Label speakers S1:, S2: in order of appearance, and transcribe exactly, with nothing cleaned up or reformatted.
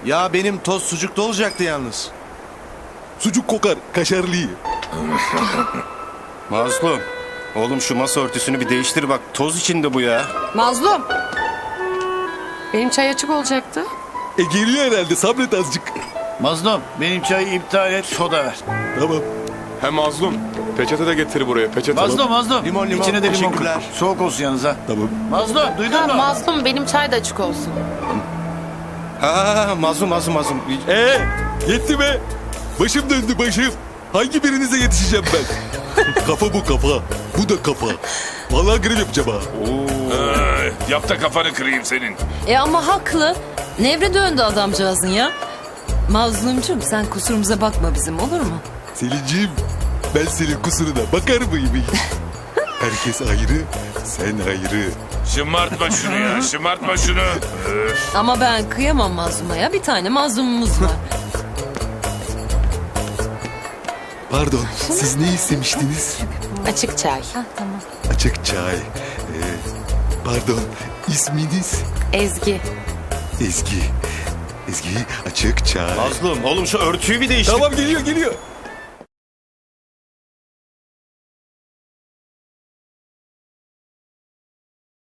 S1: Ya benim toz sucukta olacaktı yalnız.
S2: Sucuk kokar, kaşarlı.
S3: Mazlum. Oğlum şu masa örtüsünü bir değiştir bak. Toz içinde bu ya.
S4: Mazlum. Benim çay açık olacaktı.
S2: E geliyor herhalde, sabret azıcık.
S5: Mazlum benim çayı iptal et, soda ver.
S2: Tamam.
S6: Hem mazlum. Peçete de getir buraya. Peçete.
S5: Mazlum mazlum.
S1: Limon, limon.
S5: İçine de limon koy.
S1: Teşekkürler.
S5: Soğuk olsun yalnız ha.
S2: Tamam.
S5: Mazlum duydun
S4: Ha,
S5: mu?
S4: mazlum benim çay da açık olsun.
S3: Ha mazlum mazlum mazlum.
S2: Ee, yetti be. Başım döndü başım. Hangi birinize yetişeceğim ben? Kafa bu kafa. Bu da kafa. Vallahi grev yapacağım ha.
S7: Ee, yap da kafanı kırayım senin.
S8: E ama haklı. Nevre döndü adamcağızın ya. Mazlumcum sen kusurumuza bakma bizim, olur mu?
S2: Selinciğim, ben senin kusuruna bakar mıyım? Herkes ayrı, sen ayrı.
S7: Şımartma şunu ya, şımartma şunu. Öf.
S8: Ama ben kıyamam mazluma ya. Bir tane mazlumumuz var.
S2: Pardon, siz ne istemiştiniz?
S4: Açık çay.
S2: Açık çay. Ee, pardon, isminiz?
S4: Ezgi.
S2: Ezgi. Ezgi, açık çay.
S3: Mazlum oğlum şu örtüyü bir değiştir.
S2: Tamam geliyor geliyor.